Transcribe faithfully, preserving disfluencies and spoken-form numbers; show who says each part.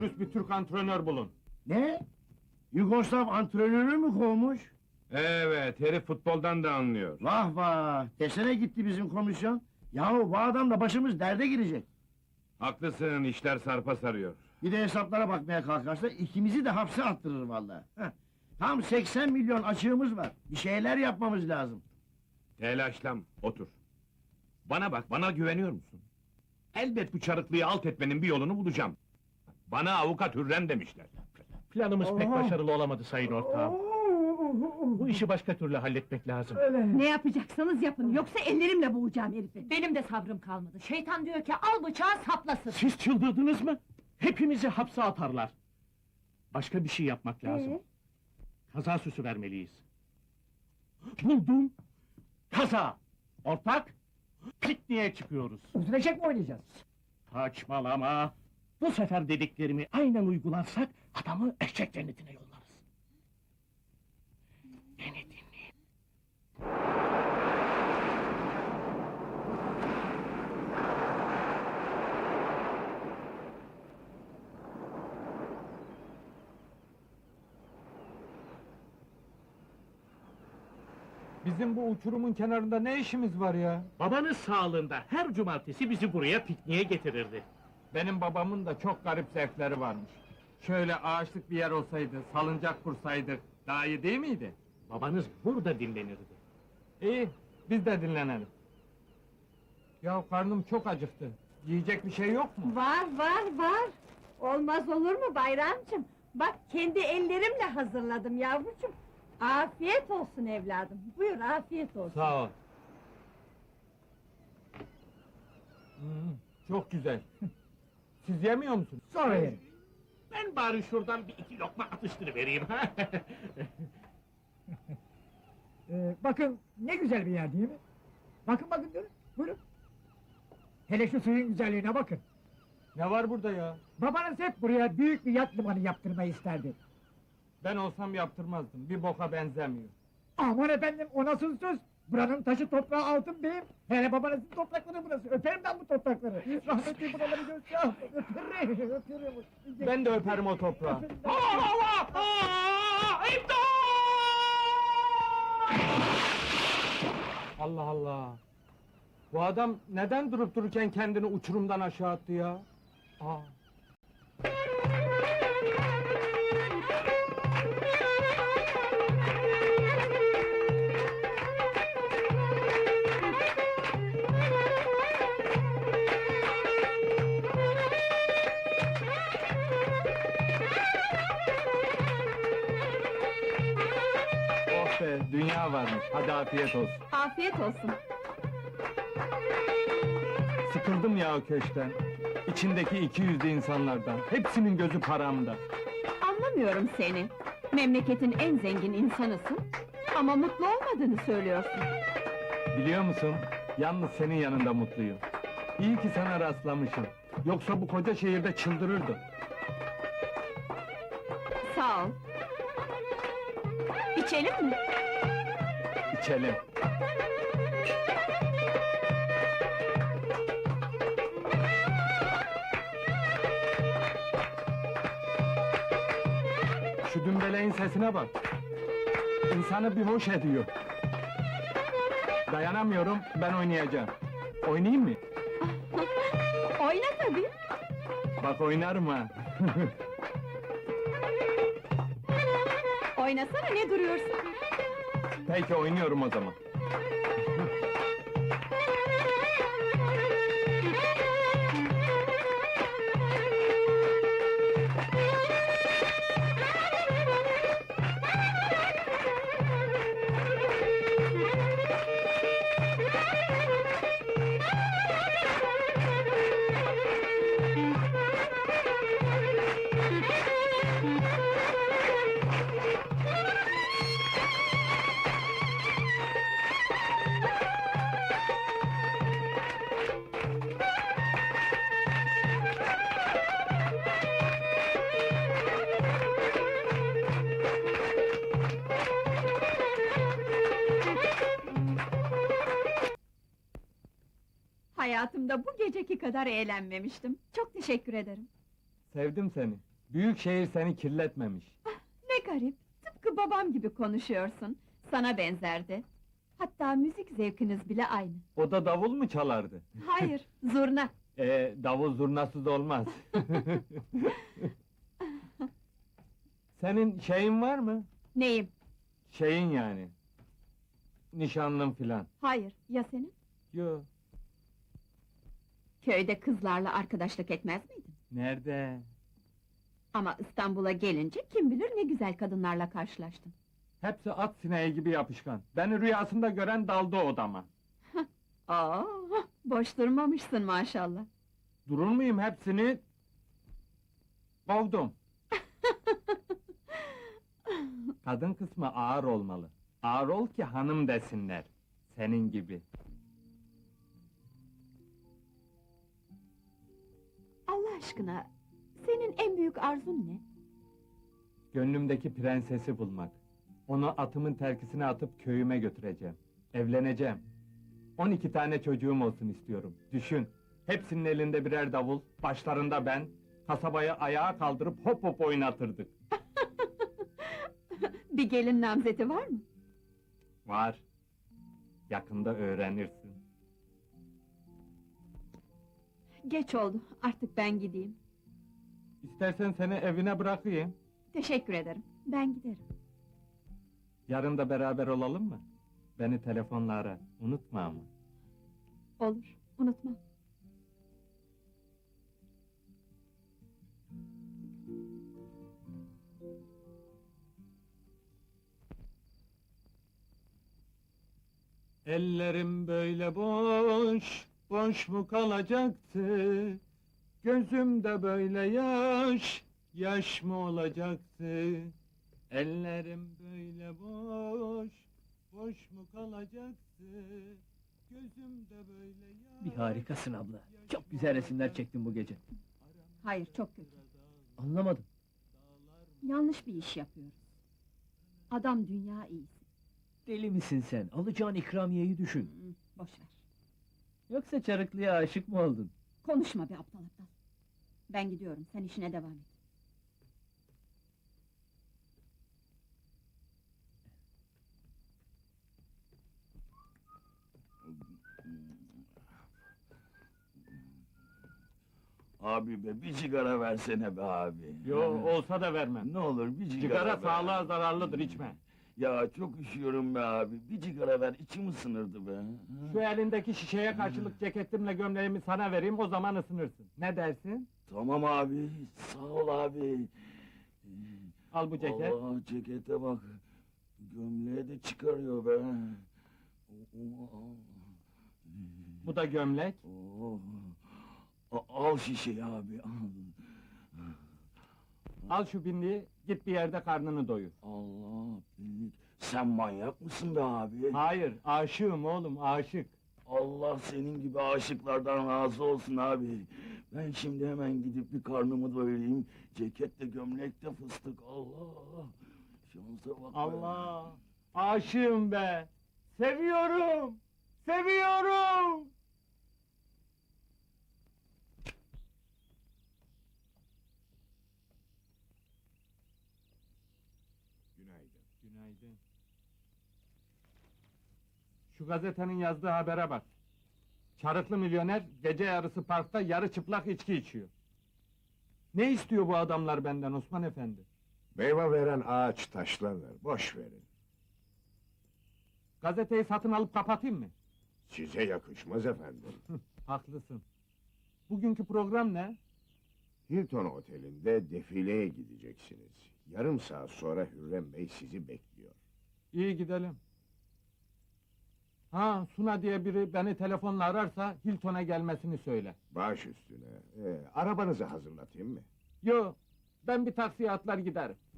Speaker 1: Bir Türk antrenör bulun.
Speaker 2: Ne? Yugoslav antrenörü mü kovmuş?
Speaker 1: Evet, herif futboldan da anlıyor.
Speaker 2: Vah vah! Desene gitti bizim komisyon. Yahu bu adam da başımız derde girecek.
Speaker 1: Haklısın, işler sarpa sarıyor.
Speaker 2: Bir de hesaplara bakmaya kalkarsa ikimizi de hapse attırır vallahi. Heh. Tam seksen milyon açığımız var. Bir şeyler yapmamız lazım.
Speaker 1: Telaşlam, otur. Bana bak, bana güveniyor musun? Elbet bu çarıklıyı alt etmenin bir yolunu bulacağım. Bana avukat Hürrem demişler.
Speaker 3: Planımız pek başarılı olamadı sayın ortağım. Bu işi başka türlü halletmek lazım.
Speaker 4: Ne yapacaksanız yapın, yoksa ellerimle boğacağım herifi. Benim de sabrım kalmadı. Şeytan diyor ki al bıçağı saplasın.
Speaker 3: Siz çıldırdınız mı? Hepimizi hapse atarlar. Başka bir şey yapmak lazım.
Speaker 4: Ee?
Speaker 3: Kaza süsü vermeliyiz. Buldum! Kaza! Ortak! Pikniğe çıkıyoruz.
Speaker 5: Öldürecek mi oynayacağız?
Speaker 3: Saçmalama! Bu sefer dediklerimi aynen uygularsak adamı eşek cennetine yollarız. Beni dinleyin.
Speaker 6: Bizim bu uçurumun kenarında ne işimiz var ya?
Speaker 3: Babanız sağlığında her cumartesi bizi buraya pikniğe getirirdi.
Speaker 6: Benim babamın da çok garip zevkleri varmış. Şöyle ağaçlık bir yer olsaydı, salıncak kursaydık, daha iyi değil miydi?
Speaker 3: Babanız burada dinlenirdi.
Speaker 6: İyi, biz de dinlenelim. Ya karnım çok acıktı. Yiyecek bir şey yok mu?
Speaker 4: Var, var, var! Olmaz olur mu Bayramcığım? Bak, kendi ellerimle hazırladım yavrucuğum. Afiyet olsun evladım, buyur afiyet olsun.
Speaker 6: Sağ ol. Hmm, çok güzel. Siz yemiyor musunuz?
Speaker 5: Sonra yerim.
Speaker 3: Ben bari şuradan bir iki lokma atıştırıvereyim.
Speaker 5: Ee, bakın ne güzel bir yer değil mi? Bakın bakın durun, buyurun. Hele şu suyun güzelliğine bakın.
Speaker 6: Ne var burada ya?
Speaker 5: Babanız hep buraya büyük bir yat limanı yaptırmayı isterdi.
Speaker 6: Ben olsam yaptırmazdım, bir boka benzemiyor.
Speaker 5: Aman efendim, o nasıl söz? Buranın taşı toprağı altın beyim. Hele babanızın toprakları burası. Öperim ben bu toprakları. Rahmetli buraları görsün. Öperim, öperim.
Speaker 6: Ben de öperim o toprağı.
Speaker 5: Öperim.
Speaker 3: Allah! Aa, İmdat!
Speaker 6: Allah Allah! Bu adam neden durup dururken kendini uçurumdan aşağı attı ya? Aa! Oh be, dünya varmış. Hadi afiyet olsun.
Speaker 4: Afiyet olsun.
Speaker 6: Sıkıldım ya o köşkten. İçindeki iki yüzlü insanlardan. Hepsinin gözü paramda.
Speaker 4: Anlamıyorum seni. Memleketin en zengin insanısın. Ama mutlu olmadığını söylüyorsun.
Speaker 6: Biliyor musun? Yalnız senin yanında mutluyum. İyi ki sana rastlamışım. Yoksa bu koca şehirde çıldırırdım.
Speaker 4: Sağ ol. İçelim mi?
Speaker 6: İçelim. Şu dümbeleğin sesine bak. İnsanı bir hoş ediyor. Dayanamıyorum, ben oynayacağım. Oynayayım mı?
Speaker 4: Oyna tabii.
Speaker 6: Bak oynarım ha.
Speaker 4: Oynasana, ne duruyorsun?
Speaker 6: Peki oynuyorum o zaman.
Speaker 4: Hayatımda bu geceki kadar eğlenmemiştim. Çok teşekkür ederim.
Speaker 6: Sevdim seni. Büyük şehir seni kirletmemiş.
Speaker 7: Ne garip, tıpkı babam gibi konuşuyorsun. Sana benzerdi. Hatta müzik zevkiniz bile aynı.
Speaker 6: O da davul mu çalardı?
Speaker 7: Hayır, zurna.
Speaker 6: Ee, davul zurnasız olmaz. Senin şeyin var mı?
Speaker 7: Neyim?
Speaker 6: Şeyin yani. Nişanlın filan.
Speaker 7: Hayır, ya senin?
Speaker 6: Yo,
Speaker 7: Köyde kızlarla arkadaşlık etmez miydin?
Speaker 6: nerede?
Speaker 7: Ama İstanbul'a gelince kim bilir ne güzel kadınlarla karşılaştın.
Speaker 6: Hepsi at sineği gibi yapışkan. Beni rüyasında gören daldı odama.
Speaker 7: Aa, boş durmamışsın maşallah.
Speaker 6: Durur muyum hepsini? Kovdum. Kadın kısmı ağır olmalı. Ağır ol ki hanım desinler. Senin gibi.
Speaker 7: Allah aşkına, senin en büyük arzun ne?
Speaker 6: Gönlümdeki prensesi bulmak. Onu atımın terkisine atıp köyüme götüreceğim. Evleneceğim. On iki tane çocuğum olsun istiyorum. Düşün, hepsinin elinde birer davul, başlarında ben, kasabayı ayağa kaldırıp hop hop oynatırdık.
Speaker 7: Bir gelin namzeti var mı?
Speaker 6: Var. Yakında öğrenirsin.
Speaker 7: Geç oldu, artık ben gideyim.
Speaker 6: İstersen seni evine bırakayım.
Speaker 7: Teşekkür ederim, ben giderim.
Speaker 6: Yarın da beraber olalım mı? Beni telefonla ara, unutma ama.
Speaker 7: Olur, unutmam.
Speaker 6: Ellerim böyle boş, boş mu kalacaktı? Gözümde böyle yaş, yaş mı olacaktı? Ellerim böyle boş, boş mu kalacaktı? Gözümde böyle yaş...
Speaker 3: Bir harikasın abla. Çok güzel resimler çektin bu gece.
Speaker 7: Hayır, çok kötü.
Speaker 3: Anlamadım.
Speaker 7: Yanlış bir iş yapıyoruz. Adam dünya iyisi.
Speaker 3: Deli misin sen? Alacağın ikramiyeyi düşün.
Speaker 7: Hı, boş ver.
Speaker 3: Yoksa Çarıklı'ya aşık mı oldun?
Speaker 7: Konuşma be aptal aptal. Ben gidiyorum, sen işine devam et.
Speaker 8: Abi be, bir sigara versene be abi.
Speaker 6: Yo, olsa da vermem.
Speaker 8: Ne olur bir sigara
Speaker 6: Sigara
Speaker 8: be.
Speaker 6: sağlığa zararlıdır, içme.
Speaker 8: Ya çok üşüyorum be abi, bir sigara ver, içim ısınırdı be.
Speaker 6: Şu elindeki şişeye karşılık ceketimle gömleğimi sana vereyim, o zaman ısınırsın. Ne dersin?
Speaker 8: Tamam abi, sağ ol abi.
Speaker 6: Al bu ceket.
Speaker 8: Allah, cekete bak. Gömleği de çıkarıyor be.
Speaker 6: Bu da gömlek.
Speaker 8: Oo. A- Al şişeyi abi, al.
Speaker 6: Al şu binliği, git bir yerde karnını doyur.
Speaker 8: Allah billik. Sen manyak mısın be abi?
Speaker 6: Hayır, aşığım oğlum, aşık.
Speaker 8: Allah senin gibi aşıklardan razı olsun abi. Ben şimdi hemen gidip bir karnımı doyurayım. Ceketle gömlekte fıstık. Allah! Şansa bak be.
Speaker 6: Allah! Aşığım be! Seviyorum! Seviyorum!
Speaker 1: Günaydın.
Speaker 6: Günaydın. Şu gazetenin yazdığı habere bak. Çarıklı milyoner gece yarısı parkta yarı çıplak içki içiyor. Ne istiyor bu adamlar benden Osman Efendi?
Speaker 1: Meyve veren ağaç taşlanır, boş verin.
Speaker 6: Gazeteyi satın alıp kapatayım mı?
Speaker 1: Size yakışmaz efendim.
Speaker 6: Haklısın. Bugünkü program ne?
Speaker 1: Hilton Oteli'nde defileye gideceksiniz. Yarım saat sonra Hürrem Bey sizi bekliyor.
Speaker 6: İyi gidelim. Ha, Suna diye biri beni telefonla ararsa Hilton'a gelmesini söyle.
Speaker 1: Baş üstüne. Ee, arabanızı hazırlatayım mı?
Speaker 6: Yo, ben bir taksiye atlar giderim.